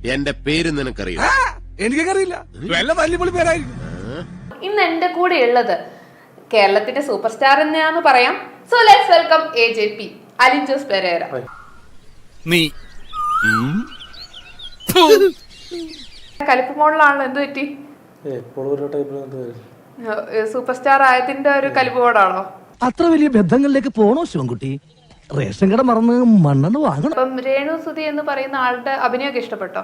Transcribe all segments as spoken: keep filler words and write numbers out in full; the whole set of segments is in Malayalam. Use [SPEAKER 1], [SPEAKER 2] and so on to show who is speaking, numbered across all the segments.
[SPEAKER 1] എന്റെ പേര് നിനക്കറിയോ?
[SPEAKER 2] എനിക്കറിയില്ല, വല്ല വലിയ പേരായിരിക്കും.
[SPEAKER 3] ഇന്ന് എന്റെ കൂടെ ഉള്ളത് കേരളത്തിന്റെ സൂപ്പർ സ്റ്റാർ എന്നാന്ന് പറയാം. So let's welcome A J P Alin Jose Pereira.
[SPEAKER 2] നീ
[SPEAKER 3] കലിപ്പ് മോഡലാണല്ലോ, എന്ത് പറ്റി? സൂപ്പർ സ്റ്റാർ ആയതിന്റെ ഒരു കലിപ്പ് മോഡാണോ?
[SPEAKER 4] അത്ര വലിയ ബന്ധങ്ങളിലേക്ക് പോണോ ശിവൻകുട്ടി? റേഷൻ കട മറന്ന് മണ്ണെണ്ണ വാങ്ങണം.
[SPEAKER 3] അപ്പം രേണു സുധി എന്ന് പറയുന്ന ആളുടെ അഭിനയമൊക്കെ ഇഷ്ടപ്പെട്ടോ?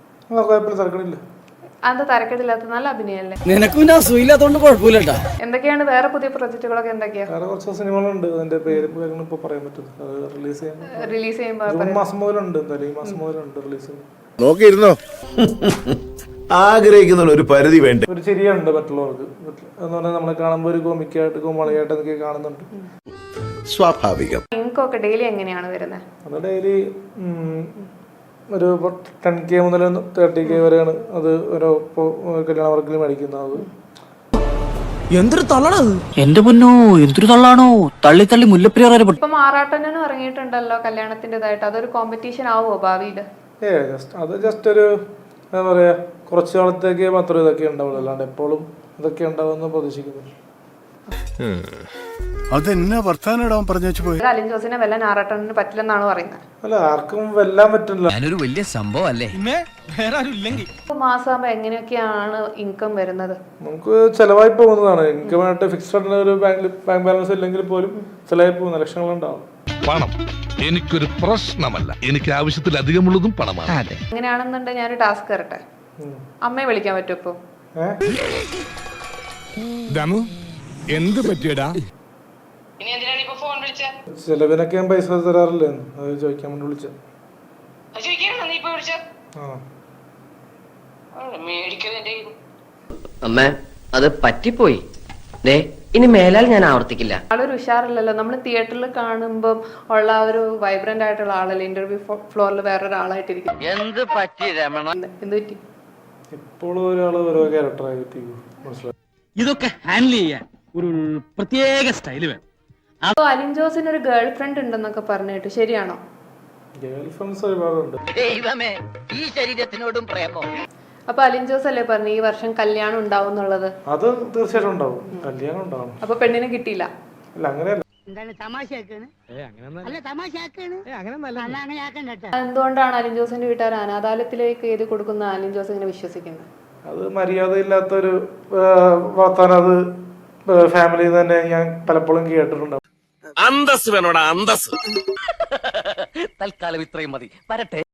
[SPEAKER 3] അത് തരക്കേടില്ലാത്ത നല്ല അഭിനയല്ലേ?
[SPEAKER 5] നിനക്കും അസുഖമില്ലാത്തോണ്ട് കുഴപ്പമില്ലട്ടാ.
[SPEAKER 3] എന്തൊക്കെയാണ് വേറെ പുതിയ പ്രൊജക്ടുകളൊക്കെ? എന്തൊക്കെയാ
[SPEAKER 6] കുറച്ച് സിനിമകളുണ്ട്, അതിന്റെ പേര് ഇപ്പൊ പറയാൻ പറ്റും. റിലീസ് ചെയ്യാൻ
[SPEAKER 3] റിലീസ് ചെയ്യുമ്പോ
[SPEAKER 6] ജൂൺ മാസം മുതലുണ്ട്, എന്തായാലും ഈ മാസം മുതലുണ്ട് റിലീസ്.
[SPEAKER 1] നോക്കിയിരുന്നോ? ആഗ്രഹിക്കുന്ന ഒരു പരിധി വേണ്ട.
[SPEAKER 6] ഒരു ചിരിയുണ്ട് മറ്റുള്ളവർക്ക് എന്ന് പറഞ്ഞാൽ നമ്മളെ കാണുമ്പോൾ ഒരു കോമിക്കായിട്ട് കോമാളിയായിട്ട് എന്നൊക്കെ കാണുന്നുണ്ട്.
[SPEAKER 1] സ്വാഭാവികം.
[SPEAKER 3] ഇൻകൊക്കെ ഡെയിലി എങ്ങനെയാണ് വരുന്നത്?
[SPEAKER 6] അത് ഡെയിലി ഒരു ടെൻ കെ മുതൽ തേർട്ടി കെ വരെയാണ് അത് ഓരോ കല്യാണ വർക്കിൽ മേടിക്കുന്നത്.
[SPEAKER 4] എന്തൊരു തള്ളണത്!
[SPEAKER 5] എന്റെ പൊന്നോ, എന്തൊരു തള്ളാണോ! തള്ളി തള്ളി മുല്ലപ്പെരിയാർ.
[SPEAKER 3] ഇപ്പൊ മാറാട്ടനും ഇറങ്ങിയിട്ടുണ്ടല്ലോ കല്യാണത്തിൻ്റെതായിട്ട്. അതൊരു കോമ്പറ്റീഷൻ ആവുമോ ഭാവിയില്?
[SPEAKER 6] ഏ ജസ്റ്റ് അത് ജസ്റ്റ് ഒരു എന്താ പറയാ, കുറച്ചു കാലത്തേക്ക് മാത്രമേ ഇതൊക്കെ ഉണ്ടാവുള്ളൂ, അല്ലാണ്ട് എപ്പോഴും ഇതൊക്കെ ഉണ്ടാവുമെന്ന് പ്രതീക്ഷിക്കുന്നു.
[SPEAKER 2] അതെന്നാ വർത്താനം പറഞ്ഞു വെച്ചു പോയി.
[SPEAKER 3] അലിൻ ജോസിനെ വെല്ലാൻ ആറാട്ടണിന് പറ്റില്ലെന്നാണ് പറയുന്നത്.
[SPEAKER 6] അല്ല, ആർക്കും വെല്ലാൻ പറ്റില്ല.
[SPEAKER 5] ഞാനൊരു വലിയ സംഭവം അല്ലേ.
[SPEAKER 2] വേറെ ആരും ഇല്ലെങ്കിൽ
[SPEAKER 3] മാസമാകുമ്പോ എങ്ങനെയൊക്കെയാണ് ഇൻകം വരുന്നത്?
[SPEAKER 6] നമുക്ക് ചെലവായി പോകുന്നതാണ്. ഇൻകമായിട്ട് ഫിക്സ്ഡ് ഒരു ബാങ്ക് ബാങ്ക് ബാലൻസ് ഇല്ലെങ്കിൽ പോലും ചെലവായി പോകുന്ന ലക്ഷങ്ങളുണ്ടാവും.
[SPEAKER 7] പണം എനിക്കൊരു പ്രശ്നമല്ല, എനിക്ക് ആവശ്യത്തിലധികമുള്ളതും പണമാണ്.
[SPEAKER 3] അങ്ങനെയാണെന്നുണ്ടെങ്കിൽ ഞാനൊരു ടാസ്ക് തരട്ടെ. അമ്മയെ വിളിക്കാൻ പറ്റും ഇപ്പൊ?
[SPEAKER 2] ദമു എന്ത് പറ്റിയടാ?
[SPEAKER 6] ചെലവിനൊക്കെ ഞാൻ പൈസ തരാറില്ലേ, അത് ചോദിക്കാൻ വേണ്ടി വിളിച്ച.
[SPEAKER 8] അമ്മ അത് പറ്റിപ്പോയി, ഇനി മേലാൽ ഞാൻ ആവർത്തിക്കില്ല.
[SPEAKER 3] ആളൊരു ഉഷാറില്ലല്ലോ. നമ്മൾ തിയേറ്ററിൽ കാണുമ്പോൾ ഉള്ള ഒരു വൈബ്രന്റ് ആയിട്ടുള്ള ആളല്ലേ ഇന്റർവ്യൂ ഫ്ലോറിൽ വേറൊരാളായിട്ടിരിക്കും.
[SPEAKER 8] എന്ത് പറ്റി രമണ?
[SPEAKER 3] എന്ത് പറ്റി?
[SPEAKER 6] ഇപ്പോഴും ഒരാള് ഓരോ ക്യാരക്ടറായി മനസ്സിലായി.
[SPEAKER 5] ഇതൊക്കെ ഹാൻഡിൽ ചെയ്യാൻ ഒരു പ്രത്യേക സ്റ്റൈല് വേണം.
[SPEAKER 3] അപ്പൊ അലിൻ ജോസിന് ഒരു ഗേൾ ഫ്രണ്ട് ഉണ്ടെന്നൊക്കെ പറഞ്ഞിട്ട് ശരിയാണോ?
[SPEAKER 6] ഗേൾ ഫ്രണ്ട്സ് ഒരുപാടുണ്ട്.
[SPEAKER 8] ദൈവമേ, ഈ ശരീരത്തിനോടും പ്രേമോ?
[SPEAKER 3] അപ്പൊ അലിൻ ജോസ് അല്ലേ പറഞ്ഞു ഈ വർഷം കല്യാണം ഉണ്ടാവും എന്നുള്ളത്?
[SPEAKER 6] അത് തീർച്ചയായിട്ടും ഉണ്ടാവും, കല്യാണം ഉണ്ടാവും.
[SPEAKER 3] അപ്പൊ പെണ്ണിനെ കിട്ടിയില്ല?
[SPEAKER 6] അല്ല, അങ്ങനെയല്ല.
[SPEAKER 3] എന്തുകൊണ്ടാണ് അലിൻ ജോസിന്റെ വീട്ടുകാർ അനാഥാലയത്തിലേക്ക് എഴുതി കൊടുക്കുന്ന അലിൻ ജോസ് ഇങ്ങനെ വിശ്വസിക്കുന്നത്?
[SPEAKER 6] അത് മര്യാദയില്ലാത്തൊരു വർത്താനം. അത് ഫാമിലിയിൽ തന്നെ ഞാൻ പലപ്പോഴും കേട്ടിട്ടുണ്ട്.
[SPEAKER 1] അന്തസ് വേണോടാ, അന്തസ്.
[SPEAKER 8] തൽക്കാലം ഇത്രയും മതി, വരട്ടെ.